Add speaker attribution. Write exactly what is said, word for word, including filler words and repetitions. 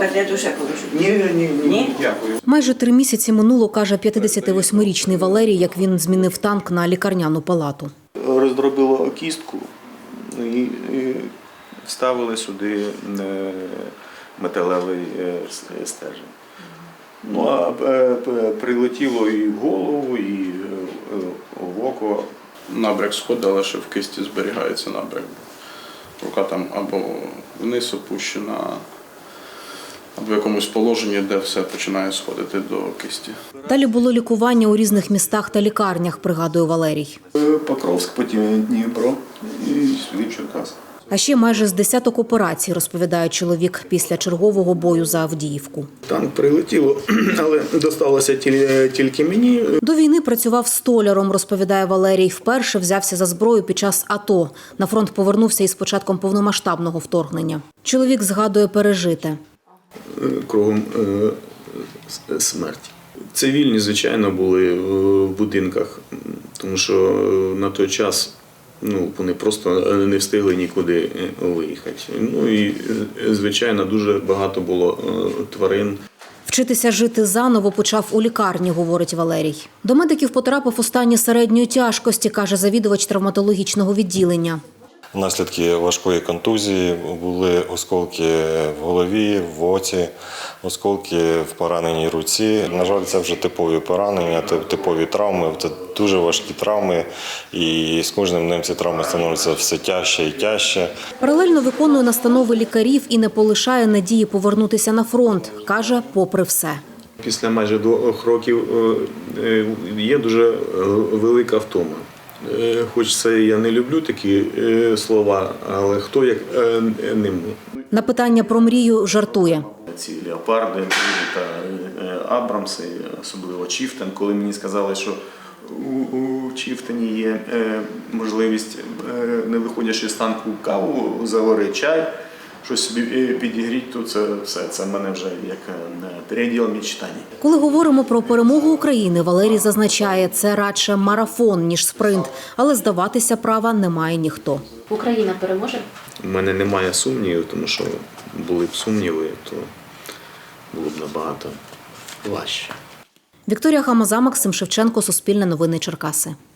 Speaker 1: котлету ще положу?
Speaker 2: Ні, ні, ні,
Speaker 1: Ні?
Speaker 2: дякую.
Speaker 3: Майже три місяці минуло, каже п'ятдесятивосьмирічний Валерій, як він змінив танк на лікарняну палату.
Speaker 2: Роздробило кістку і, і вставили сюди е, металевий е, стержень. Ну, а е, прилетіло і в голову, і е, в око.
Speaker 4: Набряк сходить, але ще в кисті зберігається набряк. Рука там або вниз опущена, або в якомусь положенні, де все починає сходити до кисті.
Speaker 3: Далі було лікування у різних містах та лікарнях, пригадує Валерій.
Speaker 2: Покровськ, потім Дніпро і сюди в Черкас.
Speaker 3: А ще майже з десяток операцій, розповідає чоловік, після чергового бою за Авдіївку.
Speaker 2: Танк прилетіло, але досталося тільки мені.
Speaker 3: До війни працював столяром, розповідає Валерій. Вперше взявся за зброю під час АТО. На фронт повернувся із початком повномасштабного вторгнення. Чоловік згадує пережите.
Speaker 2: Кругом смерть. Цивільні, звичайно, були в будинках, тому що на той час ну, вони просто не встигли нікуди виїхати. Ну і, звичайно, дуже багато було тварин.
Speaker 3: Вчитися жити заново почав у лікарні, говорить Валерій. До медиків потрапив у стані середньої тяжкості, каже завідувач травматологічного відділення.
Speaker 5: Наслідки важкої контузії були осколки в голові, в оці, осколки в пораненій руці. На жаль, це вже типові поранення, типові травми. Це дуже важкі травми, і з кожним днем ці травми становляться все тяжче і тяжче.
Speaker 3: Паралельно виконує настанови лікарів і не полишає надії повернутися на фронт, каже, попри все.
Speaker 2: Після майже двох років є дуже велика втома. Хоч це я не люблю такі слова, але хто як не ми.
Speaker 3: На питання про мрію жартує.
Speaker 2: Ці леопарди та Абрамси, особливо Чіфтен, коли мені сказали, що у, у Чіфтені є можливість, не виходячи з танку, каву, заварити чай, щось собі підігріти, то це все, це в мене вже як переділ мечтань.
Speaker 3: Коли говоримо про перемогу України, Валерій зазначає, це радше марафон, ніж спринт, але здаватися права не має ніхто.
Speaker 6: Україна переможе?
Speaker 2: У мене немає сумнівів, тому що були б сумніви, то було б набагато важче.
Speaker 3: Вікторія Хамаза, Максим Шевченко, Суспільне новини Черкаси.